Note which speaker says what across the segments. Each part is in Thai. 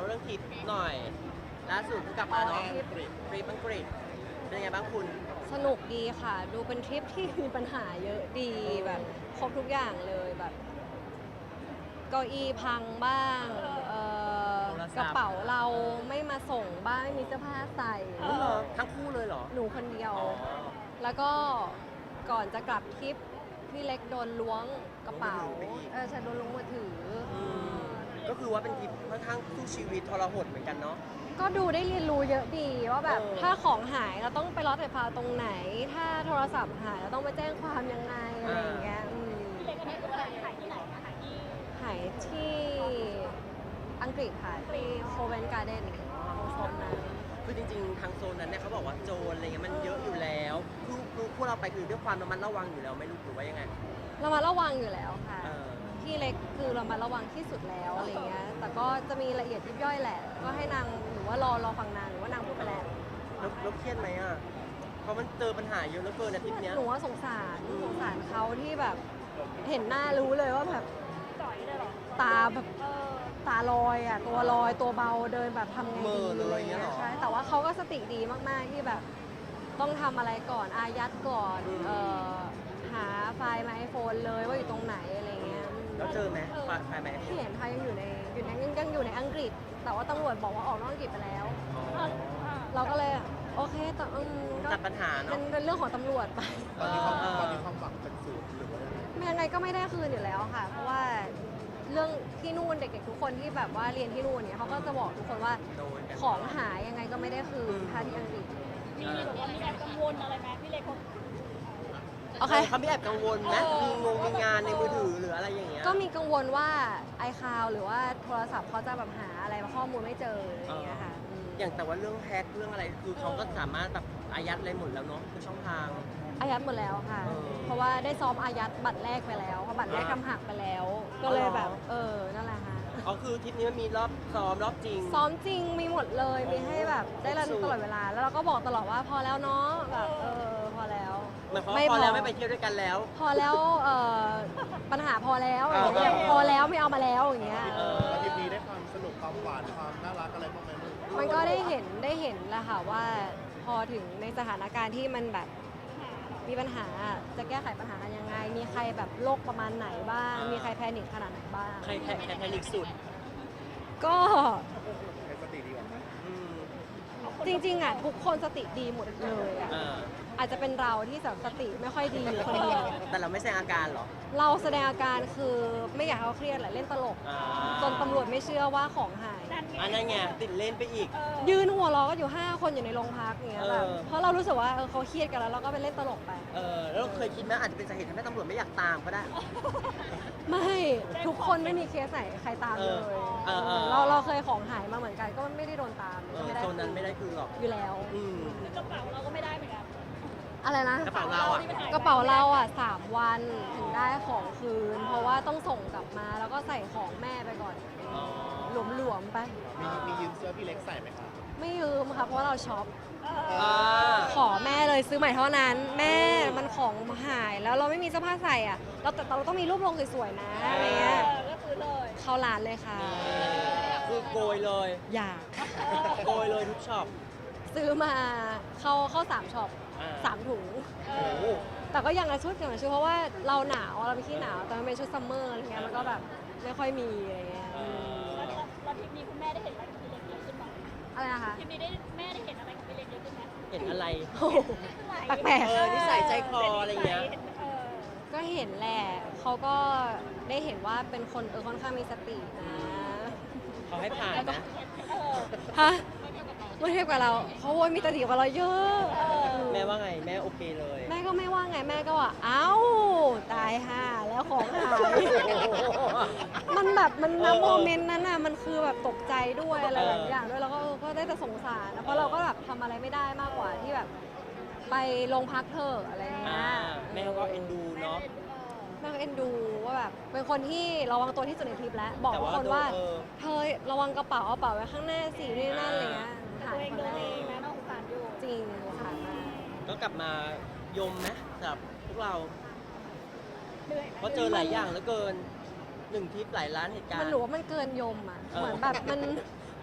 Speaker 1: เรื่องทริปหน่อยล่าสุดเพิ่งกลับมาเนาะทริปอังกฤษเป็นยังไงบ้างคุณ
Speaker 2: สนุกดีค่ะ ดูเป็นทริปที่มีปัญหาเยอะดีแบบครบทุกอย่างเลยแบบเก้าอี้พังบ้างกระเป๋าเราไม่มาส่งบ้างไม่มีเสื้อผ้าใส่
Speaker 1: เหรอทั้งคู่เลยเหรอ
Speaker 2: หนูคนเดียว
Speaker 1: อ๋อ
Speaker 2: แล้วก็ก่อนจะกลับทริปพี่เล็กโดนล้วงกระเป๋าใช่โดนล้วงมือถืออ
Speaker 1: ก็คือว่าเป็นทริปค่อนข้างสู้ชีวิตทรหดเหมือนกันเนาะ
Speaker 2: ก็ดูได้เรียนรู้เยอะดีว่าแบบ
Speaker 1: เออ
Speaker 2: ถ้าของหายเราต้องไปรอดไฟฟ้าตรงไหน ถ้าโทรศัพท์หายเราต้องไปแจ้งความยังไงอะไรอย่างเงี้ย
Speaker 3: พี่เล็กอันนี้คือขายที่ไหนคะขายที่
Speaker 2: หายที่อังกฤษค่ะที่โคเวนการ์เดนตรงโซนนั้น
Speaker 1: คือจริงๆทางโซนนั้นเนี่ยเขาบอกว่าโจรอะไรเงี้ยมันเยอะอยู่แล้วคือพวกเราไปคือด้วยความระมัดระวังอยู่แล้วไม่รู้หรือว่ายังไง
Speaker 2: เรามาระวังอยู่แล้วค่ะ
Speaker 1: เออ
Speaker 2: ที่เล็กคือเรามาระวังที่สุดแล้วอะไรเงี้ยแต่ก็จะมีละเอียดยิบย่อยแหละ ก็ให้นางหรือว่ารอฟังนางหรือว่านางพูดไปแล้ว
Speaker 1: แล้วเครียดไหมอ่ะเพราะมันเจอปัญหาเยอะเหลือเกินอาทิตย์เนี้ย
Speaker 2: หนูว่าสงสารเขาที่แบบเห็นหน้ารู้เลยว่าแบบ
Speaker 3: จ่อยเลยเหรอ
Speaker 2: ตาแบบตาลอยอ่ะตัวลอยตัวเบาเดินแบบทำไงดีอะไรเงี้ยใช่แต่ว่าเขาก็สติดีมากๆที่แบบต้องทำอะไรก่อนอายัดก่อนหาไฟล์มาไอโฟนเลยว่าอยู่ตรงไหนอะไรเงี้ย
Speaker 1: แล้วเจอไหมไฟไหม
Speaker 2: ที่เห็นเขายังอยู่ในยังอยู่ในอังกฤษ แต่ว่าตำรวจบอกว่าออกนอกอังกฤษไปแล้ว เราก็เลยโอเคแต่ก็
Speaker 1: จัดปัญหาเนาะ
Speaker 2: เป็นเรื่องของตำรวจไป
Speaker 4: ตอนนี้ความหวังเป็นศูนย์หรือว่ายังไง
Speaker 2: ยังไงก็ไม่ได้คืนอยู่แล้วค่ะ เพราะว่าเรื่องที่นู่นเด็กๆทุกคนที่แบบว่าเรียนที่นู่นเนี่ยเขาก็จะบอกทุกคนว่า
Speaker 1: โดนกัน
Speaker 2: ของหายยังไงก็ไม่ได้คืนถ้าที่อังกฤษ
Speaker 3: มีแบบว่ามีแอบกังวลอะไรไหมพี่เล็กเขา
Speaker 2: โอเค
Speaker 1: เขาไม่แอบกังวลไหมมีงานในมือถือหรืออะไรอย่างเงี้ย
Speaker 2: ก็มีกังวลว่า iCloud หรือว่าโทรศัพท์เขาจะแบบหาอะไรข้อมูลไม่เจออะไรอย่างเงี้ยค่ะม
Speaker 1: อย่างแต่ว่าเรื่องแฮกเรื่องอะไรคือเขาก็สามารถแบบอายัดอะไรหมดแล้วเนาะคือช่องทาง
Speaker 2: อายัดหมดแล้วค่ะ
Speaker 1: เออ
Speaker 2: เพราะว่าได้ซ้อมอายัดบัตรแรกไปแล้วเพราะบัตรแรกทำหักไปแล้ว ก็เลยแบบนั่นแหละค่ะ
Speaker 1: อ๋อคือทริปนี้มันมีรอบซ้อมรอบจริง
Speaker 2: ซ้อมจริงมีหมดเลย
Speaker 1: โอ้
Speaker 2: มีให้แบบได้รัน
Speaker 1: สุด
Speaker 2: ตลอดเวลา แล้วเราก็บอกตลอดว่าพอแล้วเนาะแบบพอแล้ว
Speaker 1: หมายความว่าพอแล้วไม่ไปเที่ยวด้วยกันแล้ว
Speaker 2: พอแล้วปัญหาพอแล้ว
Speaker 1: เออ
Speaker 2: อย่างเงี้ยพอแล้วไม่เอามาแล้วอย่างเงี้ย
Speaker 4: อาทิตย์นี้ได้ความสนุกความหวานความน่ารักอะไรบ้างไหมลูก
Speaker 2: มันก็ได้เห็นแหละค่ะว่าพอถึงในสถานการณ์ที่มันแบบมีปัญหาจะแก้ไขปัญหากันยังไง มีใครแบบโรคประมาณไหนบ้าง มีใครแพนิคขนาดไหนบ้าง
Speaker 1: ใครแพนิคสุด
Speaker 2: ก็
Speaker 4: ใครสติดีกว่า
Speaker 1: อืม
Speaker 2: จริงๆอ่ะทุกคนสติดีหมดเลยอ่ะ
Speaker 1: อ่า
Speaker 2: อาจจะเป็นเราที่แบบสติไม่ค่อยดีอยู่คนเดียว
Speaker 1: แต่เราไม่แสดงอาการเหรอ
Speaker 2: เราแสดงอาการคือไม่อยากให้เขาเครียดแหละเล่นตลก
Speaker 1: อ่า
Speaker 2: จนตำรวจไม่เชื่อว่าของหาย
Speaker 1: อันนั้นไงติดเล่นไปอีก
Speaker 2: ยืนหัวเราะก็อยู่ 5 คนอยู่ในโรงพักอย่างเงี้ยแบบ
Speaker 1: เออ
Speaker 2: เพราะเรารู้สึกว่าเขาเครียดกันแล้วเราก็ไปเล่นตลกไป
Speaker 1: แล้วเราเคยคิดไหมอาจจะเป็นสาเหตุทำให้ตำรวจไม่อยากตามก็ได้
Speaker 2: ไม่ทุกคนไม่มีเคสไหนใครตามเลย เราเคยของหายมาเหมือนกันก็ไม่ได้โดนตามก็ไม่ได้
Speaker 1: โซนนั้นไม่ได้คือหรอก
Speaker 2: อยู่แล้ว
Speaker 1: อืม
Speaker 3: กระเป๋าเราก็ไม่ได้เหมือนกัน
Speaker 2: อะไรนะ
Speaker 1: กระเป๋าเราอ่ะ
Speaker 2: กระเป๋าเราอ่ะ3 วันถึงได้ของคืน เพราะว่าต้องส่งกลับมาแล้วก็ใส่ของแม่ไปก่อน
Speaker 1: อ๋อ
Speaker 2: หลวมๆไป
Speaker 4: มียืมเสื้อพี่เล็กใส่ไหมคะ
Speaker 2: ไม่ยืมค่ะเพราะว่าเราช็อป
Speaker 1: อ่า
Speaker 2: ขอแม่เลยซื้อใหม่เท่านั้น แม่มันของหายแล้วเราไม่มีเสื้อผ้าใส่อ่ะแต่เราต้องมีรูปลงสวยๆนะอะไรเงี้ย
Speaker 3: ก็คือเลย
Speaker 2: เข้าร้านเลยค่ะ
Speaker 1: คือโกยเลย
Speaker 2: อยาก
Speaker 1: โกยเลยทุกช็อป
Speaker 2: ซื้อมาเข้า3ช็อป
Speaker 1: อ่า
Speaker 2: 3 ถุง
Speaker 1: โอ้โห
Speaker 2: แต่ก็อย่างละชุดเพราะว่าเราหนาวเราเป็นขี้หนาวแต่มันเป็นชุดซัมเมอร์อะไรเงี้ยมันก็แบบไม่ค่อยมีอะไรเงี้ย
Speaker 3: แล้วทริปนี้คุณแม่ได้เห็นอะไรกับพี่เล็กเยอะขึ้นไหม
Speaker 2: อะไรนะคะ
Speaker 3: ทริปนี้แม่ได้เห็นอะไรกับพี่เล็กเยอะขึ้นไหม
Speaker 1: เห็นอะไร
Speaker 2: โอ้โหแปลก
Speaker 1: นิสัยใจคออะไรเงี้ย
Speaker 2: ๆก็เห็นแหละเขาก็ได้เห็นว่าเป็นคนค่อนข้างมีสตินะ
Speaker 1: เขาให้ผ่านนะ
Speaker 2: ฮะเมื่อเทียบกับเราเขาโวยมีสติกว่าเราเยอะ
Speaker 1: แม่ว่าไง แม่โอเคเลย
Speaker 2: แม่ก็ไม่ว่าไงแม่ก็ว่าเอ้าตายห่าแล้วของหายมันแบบมันนะโมเมนต์นั้นน่ะมันคือแบบตกใจด้วยอะไรหลายอย่างด้วยแล้วก็ก็ได้แต่สงสารนะเพราะเราก็แบบทำอะไรไม่ได้มากกว่าที่แบบไปโรงพักเถอะอะไรเงี้
Speaker 1: อ่าย แม่เขาก็เอ็นดูเนาะ
Speaker 2: แม่ก็เอ็นดูว่าแบบเป็นคนที่ระวังตัวที่สุดในทริปแล้วบอกทุกคนว่า
Speaker 1: แต่ว่า
Speaker 2: เธอระวังกระเป๋าเอากระเป๋าไว้ข้างหน้าสินี่นั่นอะไรเงี้ยหา
Speaker 3: ตัวย เอง
Speaker 2: คน
Speaker 3: เดิ
Speaker 2: แร
Speaker 3: นเอง
Speaker 2: ก
Speaker 3: นะน้องสารอยู่
Speaker 2: จริงค่ะ
Speaker 1: ก็กลับมายมนะสำหรับพวกเรา
Speaker 3: เหนื่อยไหม
Speaker 1: เพราะเจอหลายอย่างเหลือเกินหนึ่งทริปหลายร้านเหตุการณ์
Speaker 2: มันหนูว่ามันเกินยมอ่ะ
Speaker 1: เออ
Speaker 2: เหมือนแบบมัน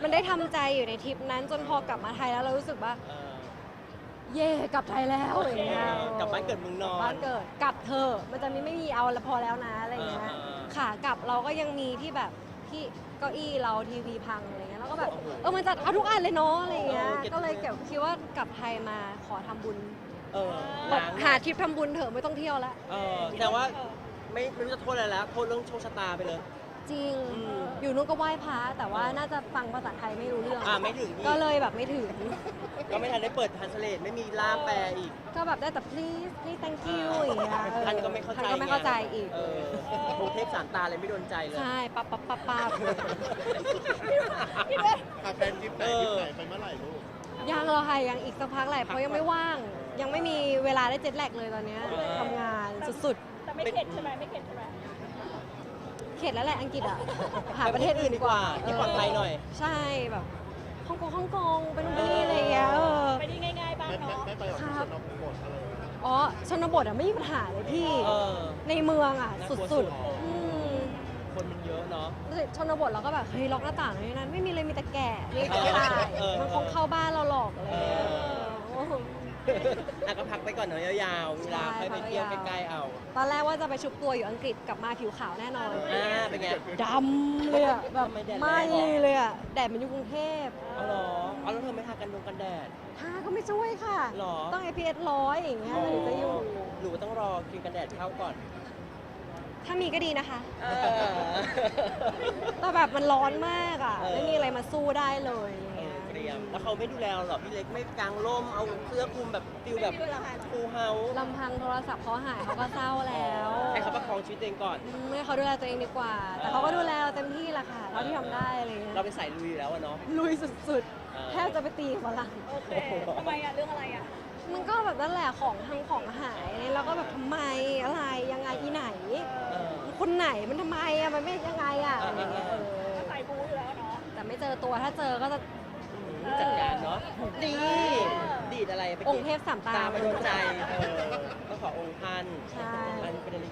Speaker 2: มันได้ทำใจอยู่ในทริปนั้นจนพอกลับมาไทยแล้วเรารู้สึกว่า เย่กลับไทยแล้วอย่างเงี้ย
Speaker 1: กลับบ้านเกิดเมืองนอน
Speaker 2: บ้านเกิดกลับเธอะมันจะไม่มีเอาแล้วพอแล้วนะอะไรอย่างเงี้ยขากลับเราก็ยังมีที่แบบที่เก้าอี้เราทีวีพังอะไรเงี้ยแล้วก็แบบมันจะเอาทุกอันเลยเนาะอะไรเงี้ยก็เลยเก็บคิดว่ากลับไทยมาขอทำบุญ
Speaker 1: ล้าง
Speaker 2: หาทริปทำบุญเถอะไม่ต้องเที่ยวแล้ว
Speaker 1: แต่ว่าไม่รู้จะโทษอะไรแล้วโทษเรื่องโชคชะตาไปเลย
Speaker 2: จริง
Speaker 1: อืม
Speaker 2: อยู่นู้นก็ไหว้พระแต่ว่าน่าจะฟังภาษาไทยไม่รู้เรื่อง
Speaker 1: ไม่ถึงอีก
Speaker 2: ก็เลยแบบไม่ถึง
Speaker 1: ก็ไม่ทันได้เปิดทันสเลตไม่มีล่ามแปลอีก
Speaker 2: ก็แบบได้แต่ please thank you อย่างเงี้ย
Speaker 1: ท่านก็ไม่เข้าใจ
Speaker 2: ท่านก็ไม่เข้าใจอีก
Speaker 1: กรุงเทพสามตาเลยไม่โดนใจเลย
Speaker 2: ใช่ปั๊บปั๊บปั๊บปั๊บ
Speaker 4: แฟนทริปไหนทริปไหนไปเมื่อไหร่ลูก
Speaker 2: ยังเราค่ะยังอีกสักพักแหละเพราะยังไม่ว่าง ยังไม่มีเวลาได้เจ็ตแลกเลยตอนเนี้ยทำงานสุด
Speaker 3: แต่ไม่เข็ดใช่ไหมไม่เข็ดใช่ไหม
Speaker 2: ๆ เข็ดแล้วแหละอังกฤษอ่ะ หาประเทศอื่นดีกว่า
Speaker 1: ที่ปลอดภัยหน่อย
Speaker 2: ใช่แบบฮ่องกงไปนู่นไปนี่อะไรอย่างเงี้ย
Speaker 3: ไปที่ง่ายๆบ้าง
Speaker 4: ไม่
Speaker 3: เนาะ
Speaker 4: ไม่ไปออกที่ชนบทอะไรอย่างเงี้ย
Speaker 2: อ๋อชนบทอ่ะไม่มีปัญหาเลยพี่
Speaker 1: เออ
Speaker 2: ในเมืองอ่ะ
Speaker 1: น่ากลัวสุ
Speaker 2: สุ
Speaker 1: ด
Speaker 2: ดๆ
Speaker 1: คนมันเยอะเนาะ
Speaker 2: ชนบทเราก็แบบเฮ้ยล็อกหน้าต่างเลยนั้นไม่มีเลยมีแต่แก่มีแต่ตาย มันคงเข้าบ้านเราหลอกอะไรอย่างเลย
Speaker 1: ก็พักไปก่อนเนาะยาวๆเวลาค่อยไปเที่ยวใกล้ๆเอา
Speaker 2: ตอนแรกว่าจะไปชุบตัวอยู่อังกฤษกลับมาผิวขาวแน่นอน
Speaker 1: เป็นไง
Speaker 2: ดำเลยอะแบบ
Speaker 1: ทำไมแดดแรง
Speaker 2: ไหม่เลยอะแดดมันอยู่กรุงเทพ
Speaker 1: เอาเหรอเอาแล้วเธอไม่ทากันดงกันแดด
Speaker 2: ทาก็ไม่ช่วยค่ะ
Speaker 1: หรอ
Speaker 2: ต้อง SPF 100อย่างเงี้ยถึงจะอยู่
Speaker 1: หรือว่าต้องรอครีมกันแดดเข้าก่อน
Speaker 2: ถ้ามีก็ดีนะคะ แต่แบบมันร้อนมากอะ
Speaker 1: เออ
Speaker 2: ไม่มีอะไรมาสู้ได้เลยอย่างเงี้ย
Speaker 1: เตรียมแล้วเขาไม่ดูแลเราหรอพี่เล็กไม่กางร่มเอาเสื้อคลุมแบบฟิลแบบฟูลเฮาส์
Speaker 2: ลำพังโทรศัพท์เขาหายเขาก็เศร้าแล้ว
Speaker 1: ให้เขาประคองชีวิตตัวเองก่อน
Speaker 2: ให้เขาดูแลตัวเองดีกว่า แต่เขาก็ดูแลเราเต็มที่แหละค่ะเท่าที่ทำได้อะไรเงี้ย
Speaker 1: เราเป็นสายลุยอยู่แล้วอะเนาะ
Speaker 2: ลุยสุด
Speaker 1: เออ
Speaker 2: ๆแทบจะไปตีฝรั่ง
Speaker 3: โอเคทำไมอะเรื่องอะไรอะ
Speaker 2: มันก็แบบนั่นแหละของหายเนี่ยเราก็แบบทำไมอะไรยังไงอีไหน
Speaker 1: เออ
Speaker 2: คนไหนมันทำไมอ่ะมันไม่ยังไงอ่ะอะไรเงี้ย
Speaker 3: ใส่บูอยู่แล้วเนาะ
Speaker 2: แต่ไม่เจอตัวถ้าเจอก็จะ
Speaker 1: จัดการเนาะดีดีดอะไรไป
Speaker 2: องค์เทพสามตา
Speaker 1: ตาไปโดนใจก็ขอองค์ท่าน
Speaker 2: ใช่
Speaker 1: อันเป็นอะไร